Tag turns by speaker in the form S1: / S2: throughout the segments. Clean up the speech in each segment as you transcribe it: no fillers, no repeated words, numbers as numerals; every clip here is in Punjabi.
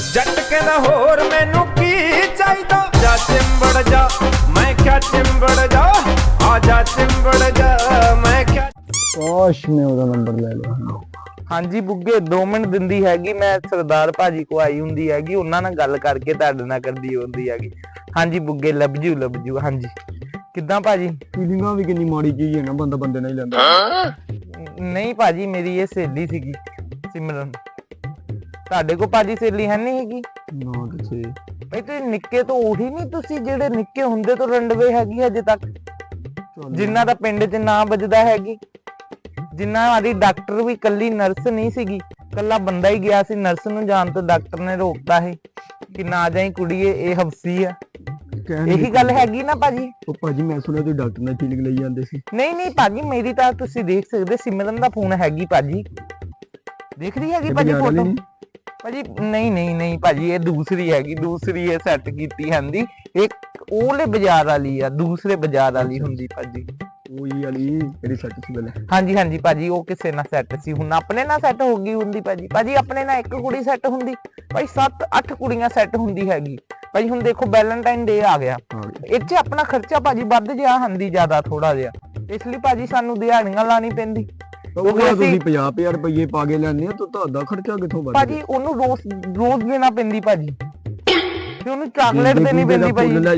S1: जट कहंदा होर मैनू की चाहिदा, जा चिंबड़ जा मैं क्या चिंबड़ जा, आ जा चिंबड़ जा मैं क्या।
S2: काश मैं ਉਹਦਾ ਨੰਬਰ ਲੈ ਲਿਆ।
S3: ਹਾਂਜੀ ਬੁੱਗੇ 2 ਮਿੰਟ ਦਿੰਦੀ ਹੈਗੀ, ਮੈਂ ਸਰਦਾਰ ਭਾਜੀ ਕੋ ਆਈ ਹੁੰਦੀ ਹੈਗੀ, ਉਹਨਾਂ ਨਾਲ ਗੱਲ ਕਰਕੇ ਤੁਹਾਡੇ ਨਾਲ ਕਰਦੀ ਹੁੰਦੀ ਹੈਗੀ। ਹਾਂਜੀ ਬੁੱਗੇ ਲੱਭ ਜੂ। ਹਾਂਜੀ ਕਿੱਦਾਂ ਭਾਜੀ?
S2: ਫੀਲਿੰਗਾਂ ਵੀ ਕਿੰਨੀ ਮਾੜੀ ਚੀਜ਼ ਹੈ ਨਾ, ਬੰਦਾ ਬੰਦੇ ਨਾਲ ਹੀ ਲੈਂਦਾ।
S3: ਨਹੀਂ ਭਾਜੀ ਮੇਰੀ ਇਹ ਸਹੇਲੀ ਸੀਗੀ ਸਿਮਰਨ। ਤੁਹਾਡੇ ਕੋ ਭਾਜੀ ਸਹੇਲੀ ਹੈ ਨਹੀਂ ਹੈਗੀ?
S2: ਨਾ ਕਿਸੇ
S3: ਬਈ ਤੁਸੀਂ ਨਿੱਕੇ ਤੋਂ ਉਹੀ ਨਹੀਂ, ਤੁਸੀਂ ਜਿਹੜੇ ਨਿੱਕੇ ਹੁੰਦੇ ਤੋਂ ਰੰਡਵੇ ਹੈਗੀ ਹਜੇ ਤੱਕ, ਜਿਨ੍ਹਾਂ ਦਾ ਪਿੰਡ 'ਚ ਨਾਂ ਵੱਜਦਾ ਹੈਗੀ, ਜਿਨ੍ਹਾਂ ਦੀ ਡਾਕਟਰ ਵੀ ਕੱਲੀ ਨਰਸ ਨਹੀਂ ਸੀਗੀ, ਕੱਲਾ ਬੰਦਾ ਹੀ ਗਿਆ ਸੀ ਨਰਸ ਨੂੰ ਜਾਣ ਤੋਂ, ਡਾਕਟਰ ਨੇ ਰੋਕਤਾ ਹੈ ਕਿ ਨਾ ਜਾਈ ਕੁੜੀਏ ਇਹ ਹਫਸੀ ਆ। ਇਹੀ ਗੱਲ ਹੈਗੀ ਨਾ ਭਾਜੀ?
S2: ਉਹ ਭਾਜੀ ਮੈਂ ਸੁਣਿਆ ਤੁਸੀਂ ਡਾਕਟਰ ਨਾਲ ਫੀਲਿੰਗ ਲਈ ਜਾਂਦੇ ਸੀ।
S3: ਨਹੀਂ ਭਾਜੀ ਮੇਰੀ ਤਾਂ ਤੁਸੀਂ ਦੇਖ ਸਕਦੇ ਸਿਮਰਨ ਦਾ ਫੋਨ ਹੈਗੀ ਭਾਜੀ, ਦੇਖ ਰਹੀ ਹੈਗੀ ਭਾਜੀ ਫੋਟੋ? ਭਾਜੀ ਨਹੀਂ ਭਾਜੀ ਇਹ ਦੂਸਰੀ ਹੈਗੀ, ਦੂਸਰੀ ਇਹ ਸੈੱਟ ਕੀਤੀ ਹੁੰਦੀ, ਇੱਕ ਉਹਲੇ ਬਾਜ਼ਾਰ ਵਾਲੀ ਆ, ਦੂਸਰੇ ਬਾਜ਼ਾਰ ਵਾਲੀ ਹੁੰਦੀ ਭਾਜੀ।
S2: ਉਹੀ ਵਾਲੀ ਜਿਹੜੀ ਸੈੱਟ ਸੀ ਪਹਿਲੇ।
S3: ਹਾਂਜੀ ਭਾਜੀ ਉਹ ਕਿਸੇ ਨਾਲ ਸੈੱਟ ਸੀ, ਹੁਣ ਆਪਣੇ ਨਾਲ ਸੈੱਟ ਹੋ ਗਈ ਹੁੰਦੀ ਭਾਜੀ ਆਪਣੇ ਨਾਲ ਇੱਕ ਕੁੜੀ ਸੈੱਟ ਹੁੰਦੀ ਭਾਈ 7-8 ਕੁੜੀਆਂ ਸੈੱਟ ਹੁੰਦੀ ਹੈਗੀ ਭਾਜੀ। ਹੁਣ ਦੇਖੋ ਵੈਲੈਂਟਾਈਨ ਡੇ ਆ ਗਿਆ, ਇੱਥੇ ਆਪਣਾ ਖਰਚਾ ਭਾਜੀ ਵੱਧ ਗਿਆ ਹੁੰਦੀ ਜ਼ਿਆਦਾ ਥੋੜਾ ਜਿਹਾ, ਇਸ ਲਈ ਭਾਜੀ ਸਾਨੂੰ ਦਿਹਾੜੀਆਂ ਲਾਣੀ ਪੈਂਦੀ।
S2: ਤੁਸੀਂ 50,000 ਰੁਪਏ ਪਾ ਕੇ ਲੈਣੇ ਆ ਤਾਂ ਤੁਹਾਡਾ ਖਰਚਾ ਕਿੱਥੋਂ ਵੱਧ
S3: ਭਾਜੀ? ਉਹਨੂੰ ਰੋਜ਼ ਦੇਣਾ ਪੈਂਦੀ ਭਾਜੀ, ਤੇ ਉਹਨੂੰ ਚਾਕਲੇਟ ਦੇਣੀ ਪੈਂਦੀ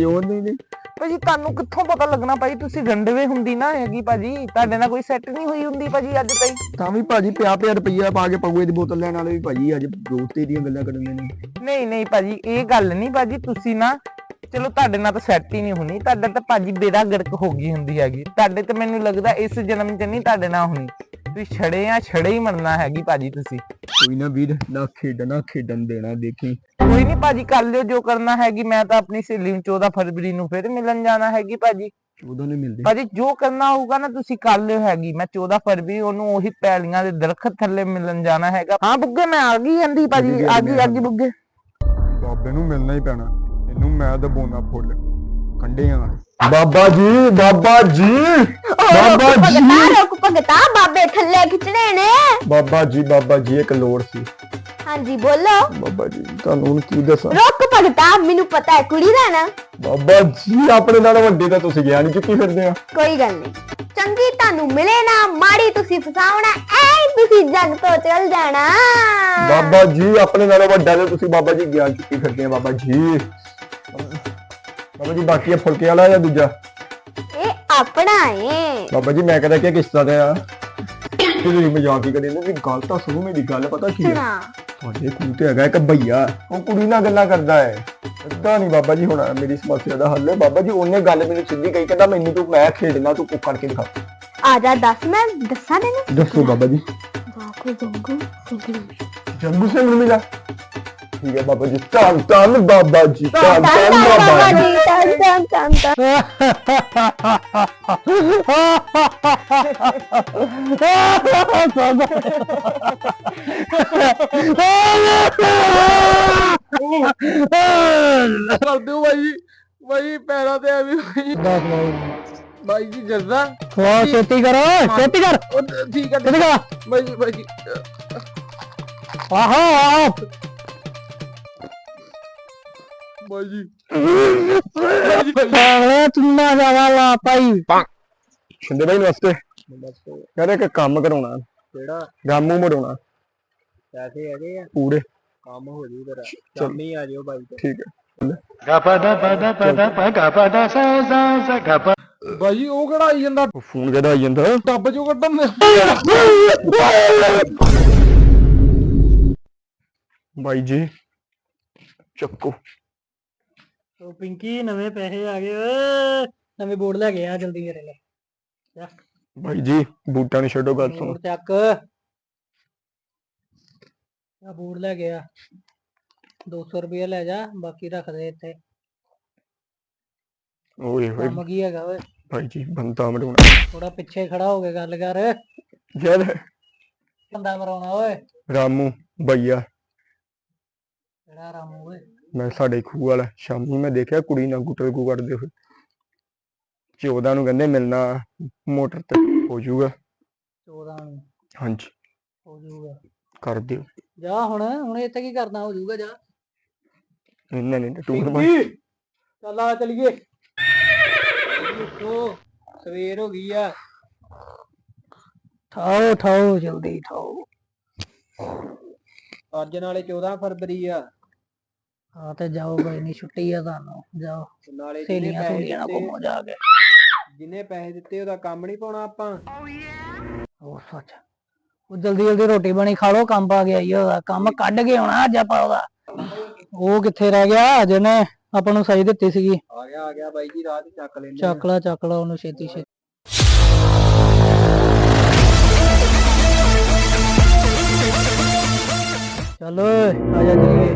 S3: ਭਾਜੀ ਤੁਹਾਨੂੰ ਕਿੱਥੋਂ ਪਤਾ ਲੱਗਣਾ ਭਾਜੀ? ਤੁਸੀਂ ਰੰਡਵੇ ਹੁੰਦੀ ਨਾ ਹੈਗੀ ਭਾਜੀ, ਤੁਹਾਡੇ ਨਾਲ ਕੋਈ ਸੈੱਟ ਨਹੀਂ ਹੋਈ ਹੁੰਦੀ ਭਾਜੀ ਅੱਜ ਤਾਈਂ।
S2: ਤਾਂ ਵੀ ਭਾਜੀ 50,000 ਰੁਪਇਆ ਪਾ ਕੇ ਪਗੂਏ ਦੀ ਬੋਤਲ ਲੈਣ ਵਾਲੇ ਵੀ ਭਾਜੀ ਅੱਜ ਦੋਸਤੀ ਦੀਆਂ ਗੱਲਾਂ ਕਰਨ ਨੇ।
S3: ਨਹੀਂ ਭਾਜੀ ਇਹ ਗੱਲ ਨਹੀਂ ਭਾਜੀ, ਤੁਸੀਂ ਨਾ ਚਲੋ ਤੁਹਾਡੇ ਨਾਲ ਤਾਂ ਸੈੱਟ ਹੀ ਨਹੀਂ ਹੋਣੀ, ਤੁਹਾਡਾ ਤਾਂ ਭਾਜੀ ਬੇੜਾ ਗਰਕ ਹੋ ਗਈ ਹੁੰਦੀ ਹੈਗੀ, ਤੁਹਾਡੇ ਤੇ ਮੈਨੂੰ ਲੱਗਦਾ ਇਸ ਜਨਮ 'ਚ ਨਹੀਂ ਤੁਹਾਡੇ ਨਾਲ ਹੋਣੀ, ਤੁਸੀਂ ਛੜੇ ਹੀ ਮਰਨਾ ਹੈਗੀ ਭਾਜੀ ਤੁਸੀਂ।
S2: ਕੋਈ ਨਾ ਵੀਰ ਨਾ ਖੇਡਣ ਦੇਣਾ, ਦੇਖੀ
S3: ਕੋਈ ਨਹੀਂ ਭਾਜੀ ਕਰ ਲਿਓ ਜੋ ਕਰਨਾ ਹੈਗੀ, ਮੈਂ ਤਾਂ ਆਪਣੀ ਸਹੇਲੀ ਨੂੰ 14 ਫਰਵਰੀ ਨੂੰ ਫਿਰ ਮਿਲਣ ਜਾਣਾ ਹੈਗੀ ਭਾਜੀ।
S2: ਉਦੋਂ ਨਹੀਂ ਮਿਲਦੇ
S3: ਭਾਜੀ ਜੋ ਕਰਨਾ ਹੋਊਗਾ ਨਾ ਤੁਸੀਂ ਕਰ ਲਿਓ ਹੈਗੀ, ਮੈਂ 14 ਫਰਵਰੀ ਉਹਨੂੰ ਉਹੀ ਪੈਲੀਆਂ ਦੇ ਦਰਖਤ ਥੱਲੇ ਮਿਲਣ ਜਾਣਾ ਹੈਗਾ। ਹਾਂ ਬੁੱਗੇ ਮੈਂ ਆ ਗਈ ਜਾਂਦੀ ਭਾਜੀ, ਆ ਗਈ ਬੁੱਗੇ।
S2: ਬਾਬੇ ਨੂੰ ਮਿਲਣਾ ਹੀ ਪੈਣਾ, ਇਹਨੂੰ ਮੈਂ ਦਬਾਉਣਾ ਫੁੱਲ ਕੰਡਿਆਂ। ਬਾਬਾ ਜੀ
S4: ਰੁਕ ਭਗਤਾ, ਬਾਬੇ ਥੱਲੇ ਖਿੱਚਣੇ ਨੇ।
S2: ਬਾਬਾ ਜੀ ਇੱਕ ਲੋੜ ਸੀ।
S4: ਹਾਂਜੀ ਬੋਲੋ।
S2: ਬਾਬਾ ਜੀ ਤੁਹਾਨੂੰ ਹੁਣ ਕੀ ਦੱਸਾਂ?
S4: ਰੁਕ ਭਗਤਾ, ਮੈਨੂੰ ਪਤਾ ਹੈ ਕੁੜੀ ਦਾ ਨਾ।
S2: ਬਾਬਾ ਜੀ ਆਪਣੇ ਨਾਲ ਵੱਡੇ ਤਾਂ ਤੁਸੀਂ ਗਿਆਨ ਚੁੱਕੀ ਫਿਰਦੇ ਆ।
S4: ਕੋਈ ਗੱਲ ਨਹੀਂ, ਚੰਗੀ ਤੁਹਾਨੂੰ ਮਿਲੇ ਨਾ, ਮਾੜੀ ਤੁਸੀਂ ਫਸਾਉਣਾ, ਐ ਤੁਸੀਂ ਜੱਗ ਤੋਂ ਚਲ ਜਾਣਾ।
S2: ਬਾਬਾ ਜੀ ਆਪਣੇ ਨਾਲ ਵੱਡਾ ਤੇ ਤੁਸੀਂ ਬਾਬਾ ਜੀ ਗਿਆਨ ਚੁੱਕੀ ਫਿਰਦੇ ਆ। ਬਾਬਾ ਜੀ ਬਾਕੀ ਫੁਲਕੇ ਵਾਲਾ ਜਾਂ ਦੂਜਾ?
S4: ਇਹ ਆਪਣਾ ਏ
S2: ਬਾਬਾ ਜੀ ਮੈਂ ਕਹਿੰਦਾ ਕਿ ਕਿਸ਼ਤਾਂ ਤੇ ਆ, ਤੁਸੀਂ ਮਜ਼ਾਕ ਹੀ ਕਰਦੇ ਨੇ। ਗੱਲ ਤਾਂ ਸੁਣੋ ਮੇਰੀ, ਗੱਲ ਪਤਾ ਕੀ ਹੈ? ਤੁਹਾਡੇ ਕੋਲ ਤੇ ਹੈਗਾ ਇੱਕ ਭਈਆ, ਉਹ ਕੁੜੀ ਨਾਲ ਗੱਲਾਂ ਕਰਦਾ ਹੈ। ਏਦਾਂ ਨਹੀਂ ਬਾਬਾ ਜੀ, ਹੁਣ ਮੇਰੀ ਸਮੱਸਿਆ ਦਾ ਹੱਲ ਹੈ। ਬਾਬਾ ਜੀ ਉਹਨੇ ਗੱਲ ਮੈਨੂੰ ਸਿੱਧੀ ਕਹੀ, ਕਹਿੰਦਾ ਮੈਨੂੰ ਤੂੰ ਮੈਂ ਖੇਡਣਾ, ਤੂੰ ਕੁੱਕ ਕਰਕੇ ਦਿਖਾ।
S4: ਆ ਜਾ ਦੱਸ, ਮੈਂ ਦੱਸਾਂ ਤੈਨੂੰ।
S2: ਦੱਸੋ ਬਾਬਾ ਜੀ। ਜੰਗੂ ਸਿੰਘ ਨੂੰ ਮਿਲਾ? ਠੀਕ ਹੈ ਬਾਬਾ ਜੀ, ਧੰਨ ਬਾਬਾ ਜੀ, ਧੰਨ ਬਾਬਾ ਜੀ।
S3: ਕਰ ਦਿਓ ਭਾਈ ਪੈਰਾਂ ਤੇ ਆ ਵੀ ਭਾਈ ਜੀ ਜੱਜ਼ਾ
S2: ਛੇਤੀ ਕਰ।
S3: ਠੀਕ ਹੈ ਭਾਈ ਜੀ
S2: ਆਹੋ
S3: ਭਾਈ ਜੀ
S2: ਚੁੰਨਾ ਜਾਵਾ ਲਾ ਪਾਈ ਸ਼ਿੰਦੇ ਭਾਈ ਨਮਸਤੇ। ਕਹਿੰਦੇ ਕਿ ਕੰਮ ਕਰਾਉਣਾ।
S3: ਕਿਹੜਾ?
S2: ਗਾਮੂ ਮੜਾਉਣਾ।
S3: ਪੈਸੇ ਹੈਗੇ ਆ
S2: ਪੂਰੇ?
S3: ਕੰਮ ਹੋ ਜੂ ਤੇਰਾ, ਸ਼ਾਮੀ ਆ ਜਿਓ ਬਾਈ।
S2: ਠੀਕ ਹੈ।
S3: ਭਾਈ ਉਹ ਕਿਹੜਾ ਆਈ ਜਾਂਦਾ?
S2: ਫੋਨ ਕਿਹਦਾ ਆਈ ਜਾਂਦਾ?
S3: ਟੱਬ ਚੋਂ ਕੱਢਣ ਦੇ।
S2: ਬਾਈ ਜੀ ਚੱਕੋ।
S5: ਉਹ ਪਿੰਕੀ ਨਵੇਂ ਪੈਸੇ ਆ ਗਏ ਓਏ, ਨਵੇਂ ਬੋਰਡ ਲੈ ਕੇ ਆ ਜਲਦੀ ਮੇਰੇ ਲਈ।
S2: ਬਾਈ ਜੀ ਬੂਟਾਂ ਨੂੰ ਛੱਡੋ, ਗੱਲ ਸੁਣੋ।
S5: ਬੋਰਡ ਚੱਕ, ਆ ਬੋਰਡ ਲੈ ਕੇ ਆ, 200 ਰੁਪਏ ਲੈ ਜਾ, ਬਾਕੀ ਰੱਖ ਦੇ ਇੱਥੇ।
S2: ਓਏ ਹੋਏ
S5: ਕੰਮ ਕੀ ਹੈਗਾ ਓਏ?
S2: ਭਾਈ ਜੀ ਬੰਦਾ ਮਰਾਉਣਾ।
S5: ਥੋੜਾ ਪਿੱਛੇ ਖੜਾ ਹੋ ਕੇ ਗੱਲ ਕਰ।
S2: ਯਾਰ
S5: ਬੰਦਾ ਮਰਾਉਣਾ ਓਏ?
S2: ਰਾਮੂ ਭਈਆ।
S5: ਕਿਹੜਾ ਰਾਮੂ ਓਏ?
S2: ਮੈਂ ਸਾਡੇ ਖੂਹ ਵਾਲਾ, ਸ਼ਾਮੀ ਮੈਂ ਦੇਖਿਆ ਕੁੜੀ ਨਾਲ ਗੁੱਟਲਗੂ ਕਰਦੇ ਹੋਏ। 14 ਨੂੰ ਕਹਿੰਦੇ ਮਿਲਣਾ ਮੋਟਰ ਤੇ, ਹੋ ਜਾਊਗਾ
S5: 14 ਨੂੰ?
S2: ਹਾਂਜੀ
S5: ਹੋ ਜਾਊਗਾ,
S2: ਕਰ ਦਿਓ।
S5: ਜਾ ਹੁਣ ਇੱਥੇ ਕੀ ਕਰਨਾ, ਹੋ ਜਾਊਗਾ ਜਾ।
S2: ਇਹਨਾਂ ਨੇ ਤਾਂ ਟੂਰ
S5: ਚੱਲ ਆ ਚਲੀਏ ਉੱਠੋ ਸਵੇਰ ਹੋ ਗਈ ਆ ਠਾਓ ਠਾਓ ਜਲਦੀ ਠਾਓ ਅੱਜ ਨਾਲੇ 14 ਫਰਵਰੀ ਆ ਹਾਂ ਤੇ ਜਾਓ ਕੋਈ ਨਹੀਂ ਛੁੱਟੀ ਆ ਤੁਹਾਨੂੰ ਜਾਓ ਨਾਲੇ ਸਹੇਲੀਆਂ ਨਾਲ ਘੁੰਮੋ ਜਾ ਕੇ ਜਿਹਨੇ ਪੈਸੇ ਦਿੱਤੇ ਉਹਦਾ ਕੰਮ ਨਹੀਂ ਪਾਉਣਾ ਆਪਾਂ ਉਹ ਸੱਚ ਉਹ ਜਲਦੀ ਜਲਦੀ ਰੋਟੀ ਬਣੀ ਖਾ ਲੋ ਕੰਮ ਪਾ ਗਿਆ ਈ ਉਹਦਾ ਕੰਮ ਕੱਢ ਕੇ ਆਉਣਾ ਅੱਜ ਆਪਾਂ ਉਹਦਾ ਉਹ ਕਿੱਥੇ ਰਹਿ ਗਿਆ ਜਿਹਨੇ ਆਪਾਂ ਨੂੰ ਸਹੀ ਦਿੱਤੀ ਸੀਗੀ ਆ ਗਿਆ ਬਾਈ ਜੀ ਰਾਤ ਚੱਕ ਲੈਂਦੇ ਚੱਕ ਲਾ ਉਹਨੂੰ ਛੇਤੀ ਛੇਤੀ ਚਲੋ ਆ ਜਾ ਚਲੀਏ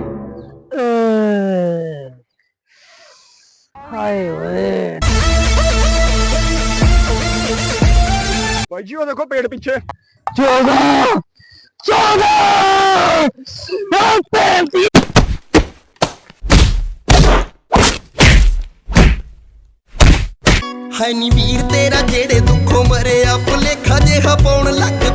S5: ਹਾਏ ਓਏ
S2: ਭਾਈ ਜੀ ਉਹ ਦੇਖੋ ਪੇੜ ਪਿੱਛੇ
S3: 14
S6: ਹੈ ਨੀ ਵੀਰ ਤੇਰਾ ਜਿਹੜੇ ਦੁੱਖੋਂ ਮਰਿਆ ਭੁਲੇਖਾ ਜਿਹਾ ਪਾਉਣ ਲੱਗ